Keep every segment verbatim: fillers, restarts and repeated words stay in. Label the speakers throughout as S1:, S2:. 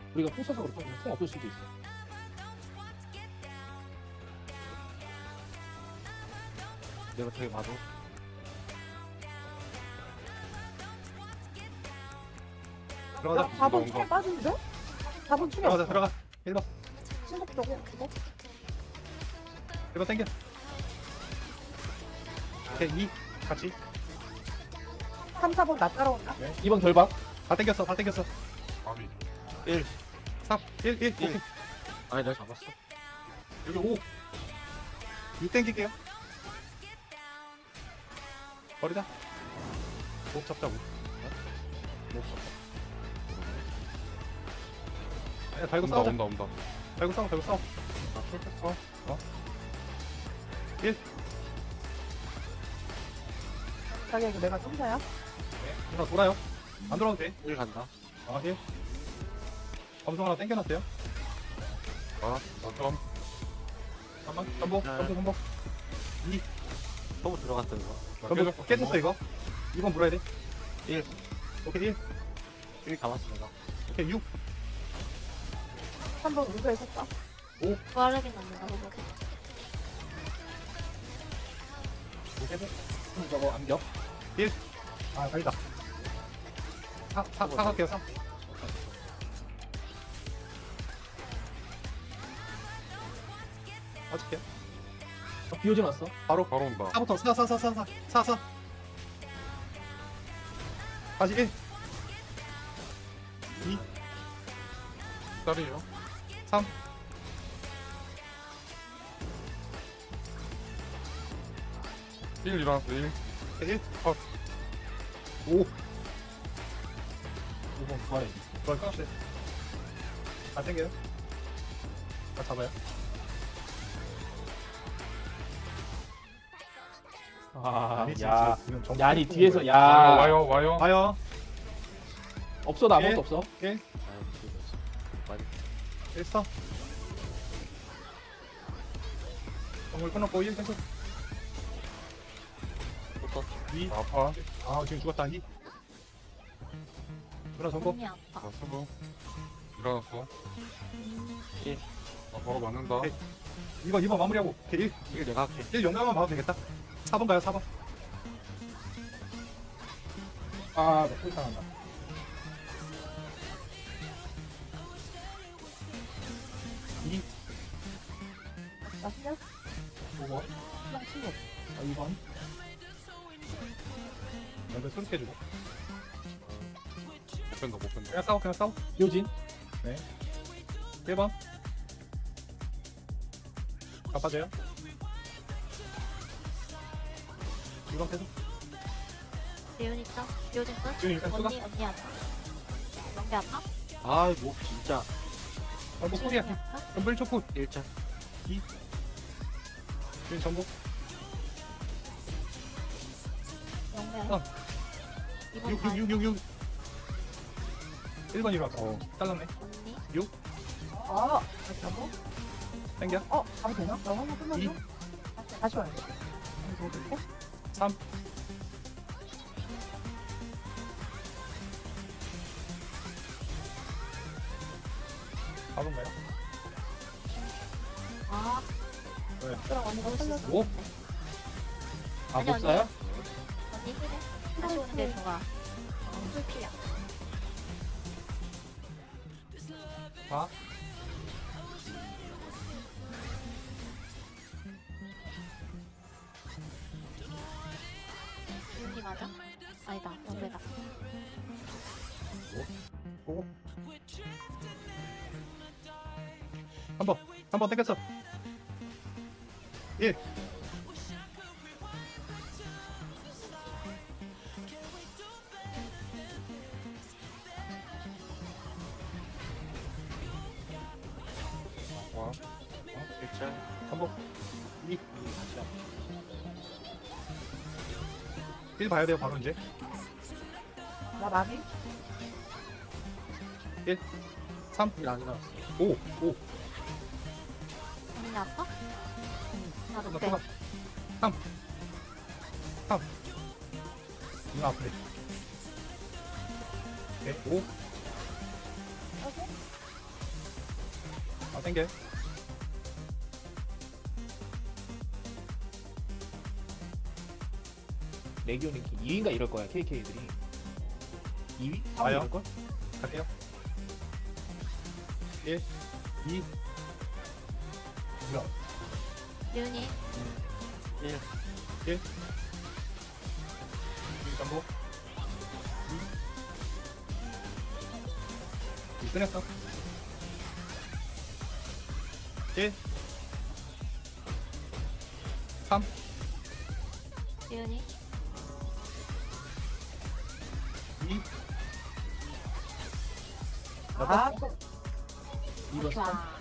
S1: 우리가 풍 써서 그렇고 풍 없을 수도 있어.
S2: 내가 되게 봐도
S3: 들어가자.
S4: 사 번
S3: 온다,
S4: 충에
S3: 온다.
S4: 빠진데? 사 번 충에
S3: 들어가자
S4: 없어.
S3: 들어가. 일 번
S4: 신속도고 그거?
S3: 일 번 땡겨. 오케이 이 같이
S4: 삼, 사 번 나 따라온다.
S1: 이 번 결박.
S3: 다 땡겼어 다 땡겼어.
S2: 아비
S3: 일 삼 일 일
S2: 일.
S3: 오케이.
S2: 아니 내가 잡았어.
S3: 여기 오 육 땡길게요. 버리자. 목 잡자고.
S2: 못 잡아.
S3: 아니야 달고
S2: 온다
S3: 싸우자.
S2: 온다 온다.
S3: 달고 싸워 달고 싸워.
S2: 나 풀쳤어.
S4: 자기야 이거 내가 점사야?
S3: 누나 돌아요. 안 돌아도 돼.
S2: 일 간다.
S3: 아 일. 검성 하나 땡겨놨어요.
S2: 아 어쩜
S3: 잠깐만 전복
S2: 네.
S3: 전복 전복.
S2: 너무 들어갔어 이거.
S3: 전복 깨졌어 이거. 이 번 물어야 돼.
S2: 일.
S3: 오케이 일.
S2: 일 감았어 내가.
S3: 오케이 육.
S4: 삼 번 우주에 섰다.
S5: 부활하긴 없는가 보고.
S3: 오케이 일.
S1: 풍 저거 암격.
S3: 아 아니다. 사, 사, 사 갈게요, 사. 맞을게요.
S1: 어, 비 오진 않았어.
S3: 바로,
S2: 바로 온다.
S3: 사부터 사, 사, 사, 사, 사, 사, 사. 다시 일, 이,
S2: 딸이에요.
S3: 삼.
S2: 일 일어났어 일.
S3: 일,
S2: 컷.
S3: 오.
S1: 오 번 부활해.
S3: 좋아, 끊었어요. 다 땡겨요. 다 잡아요.
S1: 아,
S3: 아니지,
S1: 야.
S3: 지금 정-
S1: 야, 아니 뒤에서 야.
S2: 와요 와요.
S3: 와요.
S1: 없어 나 아무것도
S3: 예.
S1: 없어.
S3: 일,
S2: 많이
S3: 일 써. 정글 끊었고 일 계속.
S2: 붙었어.
S3: 이.
S2: 아파.
S3: 아, 지금 죽었다. 이. 누나 전복.
S5: 몸이 아파.
S2: 나 수고. 일어났어. 일. 나 바로 맞는다.
S3: 오케이. 이 번, 이 번 마무리하고. 오케이, 일.
S2: 일 내가 할게.
S3: 일 용량만 봐도 되겠다. 사 번 가요, 사 번.
S1: 아, 나 풀당한다.
S3: 이.
S4: 나 신경
S1: 오 번.
S4: 그냥 친구.
S1: 아, 이 번.
S3: 연결 수룩 해주고.
S2: 못 뺀다 못 뺀다.
S3: 그냥 싸워, 그냥 싸워.
S1: 요진.
S3: 일 번. 갚아줘요. 이 번 계속.
S5: 예윤 있죠? 요즘 끝?
S3: 지금 일단 쏘가.
S5: 언니, 언니 아파. 연기 아파?
S2: 아이 뭐 진짜.
S3: 아, 뭐 소리야.
S5: 언니 아파?
S3: 연불 초코.
S2: 일자.
S3: 지금 전복.
S5: 연기
S3: 어.
S5: 이번
S3: 육,
S5: 달
S3: 육, 육, 육, 육. 일 번 일어났다. 어, 잘랐네.
S5: 언니?
S4: 아, 다시 한 번?
S3: 땡겨.
S4: 어, 가도 되나? 나 한번
S3: 이.
S4: 끝났어? 다시 와야 돼. 이거
S3: 삼. 사 번 가요.
S5: 아,
S4: 그럼 언니가 살렸어.
S1: 오. 아,
S5: 아니,
S1: 못 사요?
S5: 언니 힐해. 다시 오는 게 좋아. 어, 풀피야.
S3: 사.
S5: 예윤이 맞아? 아니다, 연배다.
S3: 오. 한 번. 한 번 땡겼어. 일.
S2: 와. 일자.
S3: 반복. 이.
S2: 다시 한 번.
S3: 일 봐야 돼요, 바로 이제.
S4: 나 마비?
S3: 삼.
S2: 일안 일어났어.
S3: 오. 오.
S5: 언니 아파? 나도
S3: 나
S5: 빼.
S3: 또가. 삼. 삼. 이거 아프네. 오케이. 오. 아 땡겨.
S1: 레기온이 이 위인가 이럴 거야 케이케이들이. 이 위? 삼 위
S3: 와요.
S1: 이럴 걸?
S3: 갈게요. 일, 이,
S5: 유니.
S2: 일.
S3: 일 전부. 이. 이 끝냈어. 일, 삼,
S5: 유니.
S3: 이,
S4: 아,
S1: 이 번 삼.
S5: 좋아.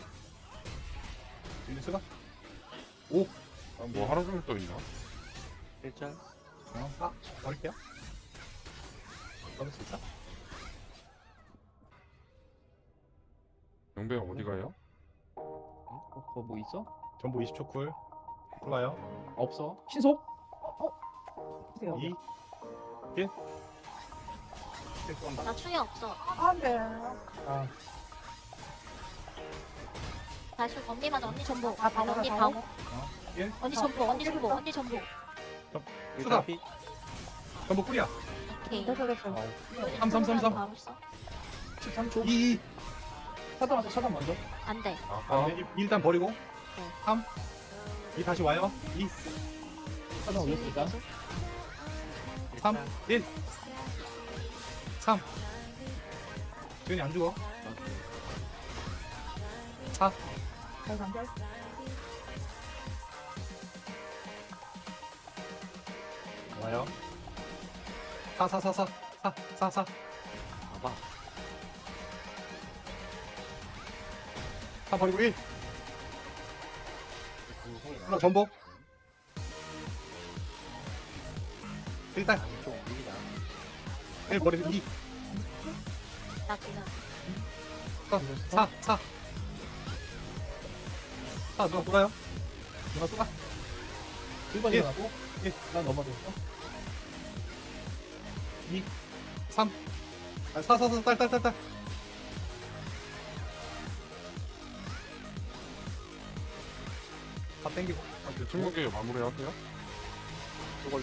S3: 일 수가.
S2: 아, 뭐 하루 종일 또 있나?
S3: 일절. 어, 아, 버릴게요. 버릴 수 있어?
S2: 영배형 어디 가요?
S1: 어, 그거 뭐 있어?
S3: 전부 이십 초 쿨. 쿨라요.
S1: 없어. 신속?
S4: 보세요.
S3: 이, 일. 일 쏜다.
S5: 나 충이 없어.
S4: 안 돼.
S1: 아,
S5: 다시 언니 맞아. 언니 전보.
S4: 아, 방어,
S5: 언니
S4: 방어.
S5: 방어.
S3: 일.
S5: 언니 전보. 언니 전보. 언니 전보.
S3: 수가. 전부 쿨이야.
S5: 오케이.
S4: 됐어, 됐어.
S3: 삼, 삼, 삼, 삼.
S5: 바로 써.
S1: 십삼 초.
S3: 이, 이.
S1: 차단 먼저 차단 먼저.
S5: 안 돼.
S2: 아,
S3: 아, 이, 일단 버리고.
S5: 네.
S3: 삼. 이 다시 와요. 이,
S1: 차단 올렸으니까.
S3: 삼, 일. 삼. 지훈이 안 죽어. 사.
S4: 잘 간결.
S3: 와요. 사, 사, 사, 사. 사, 사, 사.
S2: 봐봐.
S3: 사 버리고 일. 하나 전복. 일단 일 버리고 이.
S5: 나 그냥.
S3: 사, 사. 사 누가 돌아요? 누가 쏘가?
S1: 일 번
S3: 일.
S1: 일어나고.
S3: 일.
S1: 난 넘어졌어.
S3: 이, 삼. 아, 사, 사, 사, 딸, 딸, 딸, 딸. 다 땡기고.
S2: 친구계 마무리하세요?
S3: 이걸로.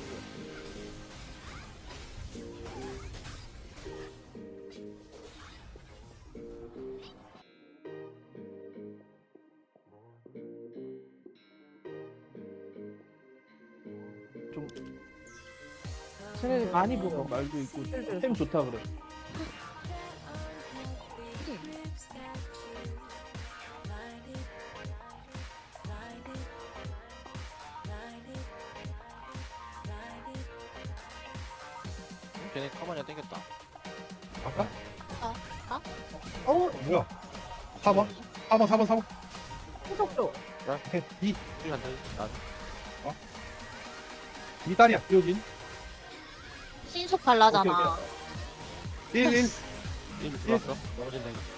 S1: 좀
S4: 쟤네 많이
S1: 어,
S4: 보여.
S1: 말도 있고
S4: 슬슬.
S1: 템 좋다 그래.
S6: 걔네 카마니아 땡겼다.
S3: 아까?
S4: 어우,
S3: 뭐야? 사 번? 사 번, 사 번, 사 번.
S4: 후속도.
S3: 이,
S6: 일 간다. 난
S3: 이 딸이야.
S1: 이호진.
S5: 신속 발라잖아.
S3: 일, 일.
S6: 이미 들어왔어. 넘어진다 이거.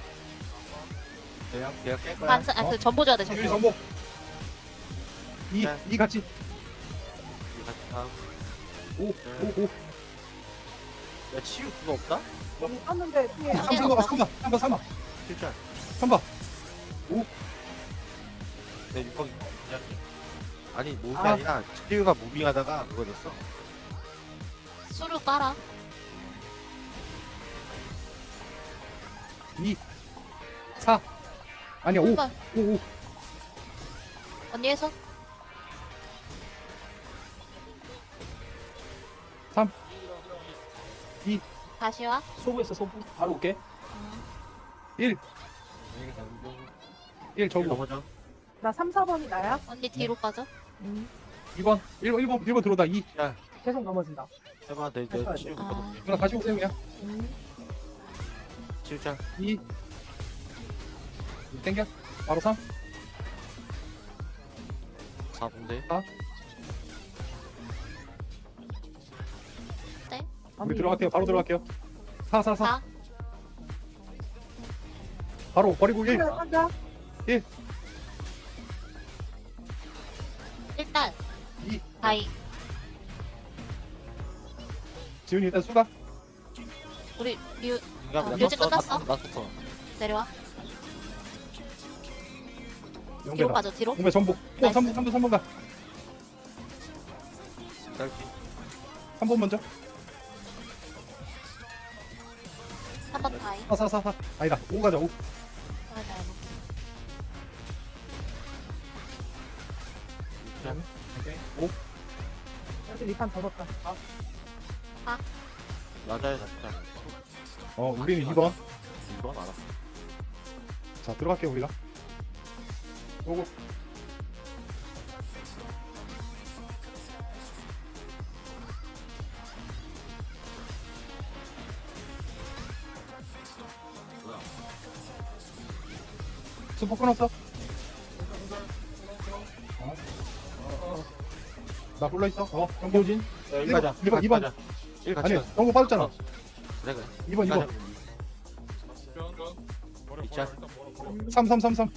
S6: 내가 내가 깰 거야.
S5: 반사. 아, 그 전보 줘야 돼.
S3: 일,
S5: 전보.
S3: 전복. 이,
S6: 네.
S3: 이 같이.
S6: 이거 같이 다음.
S3: 오, 오, 오.
S6: 야 치유 그거 없다?
S4: 떴는데 뒤에
S3: 삼, 삼 번, 삼 번, 삼 번, 삼 번.
S6: 실전.
S3: 삼 번.
S6: 내 육각이 그냥. 아니 몸이
S4: 아.
S6: 아. 니라 치유가 무빙하다가 그거 됐어.
S5: 수루 깔아.
S3: 이, 사. 아니야, 오,
S5: 한
S3: 오, 오.
S5: 언니 해서.
S3: 삼. 이.
S5: 다시 와.
S1: 소부했어 소부. 바로 올게.
S3: 일. 일 저거.
S6: 넘어져.
S4: 나 삼, 사 번이 나야?
S5: 언니 뒤로 빠져.
S4: 음,
S3: 이 번. 일 번, 일 번, 일 번 들어오다. 이.
S4: 계속 넘어진다.
S6: 해봐 내
S4: 해봐야
S6: 내
S4: 돼.
S6: 치유
S5: 아.
S6: 그거 높게.
S3: 누나 다시 오세요, 그냥.
S4: 음,
S6: 치유장.
S3: 이. 땡겨. 바로 삼.
S6: 사 분대.
S3: 우리 들어갈게요. 바로 들어갈게요. 사, 사, 사.
S5: 사.
S3: 바로 버리고 일.
S4: 한다.
S5: 일단.
S3: 이.
S5: 다이.
S3: 지훈이 일단 수가.
S5: 우리 뮤
S6: 인간
S5: 아,
S6: 나
S5: 뮤직
S6: 떴어.
S5: 끝났어?
S6: 나 떴어.
S5: 내려와. 뒤로
S3: 용배다.
S5: 빠져 뒤로.
S3: 용배 전복. 또
S5: 나이스.
S3: 삼 번, 삼 번, 삼 번 가.
S6: 짧게.
S3: 삼 번 먼저.
S5: 한 번 다이.
S3: 사, 사, 사, 사. 아니다. 오 가자, 오.
S5: 맞아.
S3: 오케이. 오.
S4: 여기 리판 접었다.
S6: 맞아요, 잡자.
S3: 어, 우리는 이 번.
S6: 이 번 알았어.
S3: 자, 들어갈게요, 우리가. 오고. 스포 끊었어? 어. 나 불러 있어. 어, 경고진.
S6: 일
S3: 번,
S6: 가자.
S3: 일 번, 이 번.
S6: 일 같이
S3: 아니,
S6: 가자.
S3: 경고 빠졌잖아.
S6: 그래, 그래.
S3: 이 번, 이 번.
S2: 버려
S6: 있자.
S2: 버려 일단 버려 버려
S3: 삼, 삼, 삼, 삼.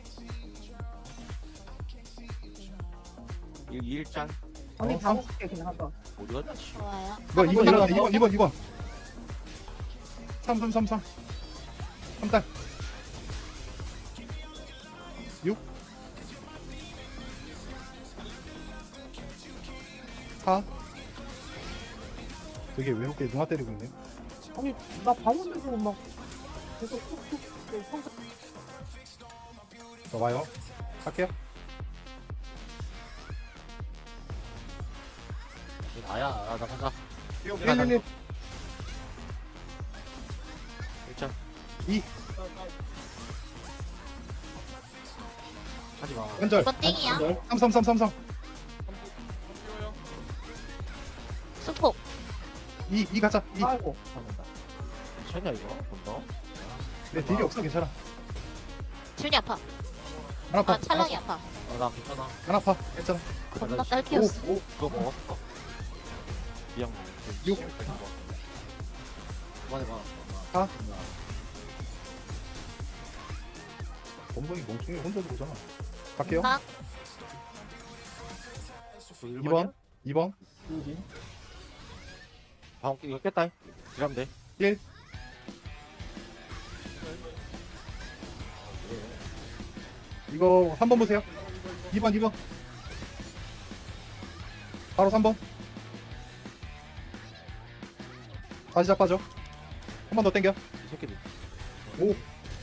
S6: 일, 일 짠.
S4: 언니
S3: 어,
S4: 다 먹을게 그냥 한번.
S6: 어디 갔지?
S5: 좋아요.
S3: 뭐, 이 번
S6: 번
S3: 일어나.
S6: 일어나.
S3: 이 번, 이 번, 이 번. 삼, 삼, 삼, 삼. 삼 딸. 육. 사. 되게 외롭게 누나 때리고 있네.
S4: 아니 나 방울도 막 계속 툭툭 성
S3: 자, 와요. 할게요.
S6: 나야, 아, 나 간다.
S3: 일, 일, 일.
S6: 일 짠.
S3: 이.
S6: 하지 마.
S3: 한절.
S5: 이번 땡이야.
S3: 삼, 삼, 삼, 삼, 삼.
S2: 뛰어요
S5: 수폭.
S3: 이, 이 가자. 이.
S4: 아이고.
S6: 미쳤냐, 이거? 본다?
S3: 내 딜이 없어, 괜찮아.
S5: 지훈이 아파.
S3: 안 아파.
S5: 아 찰랑이 아파.
S6: 아, 나 괜찮아.
S3: 안 아파. 괜찮아.
S5: 겁나
S6: 씨.
S5: 딸키였어.
S3: 오, 오.
S6: 그거 먹었어. 미안.
S3: 육.
S6: 그만해 봐.
S3: 사. 범벅이 멍청이 혼자 들어오잖아. 갈게요.
S5: 나
S3: 이 번. 이 번.
S6: 방금 이거 깼다. 이러면 돼.
S3: 일. 이거 삼 번 보세요. 이 번, 이 번. 바로 삼 번. 다시 잡아줘. 한 번 더 땡겨.
S6: 이 새끼들.
S3: 오.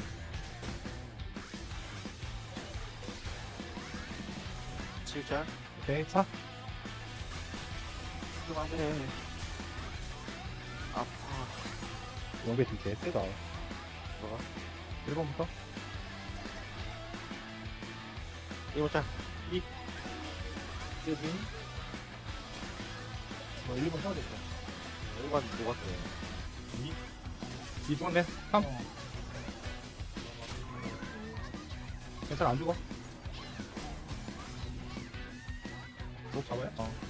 S6: 칠 짠.
S3: 오케이. 사.
S6: 그만해. 아파.
S3: 연계 딜 개세다.
S6: 뭐가?
S3: 일 번부터.
S6: 이거 짠.
S3: 뭐 일 번 해야겠다.
S6: 일 번 녹았어.
S3: 이 번에 삼. 괜찮아, 안 죽어. 목 잡아요? 어.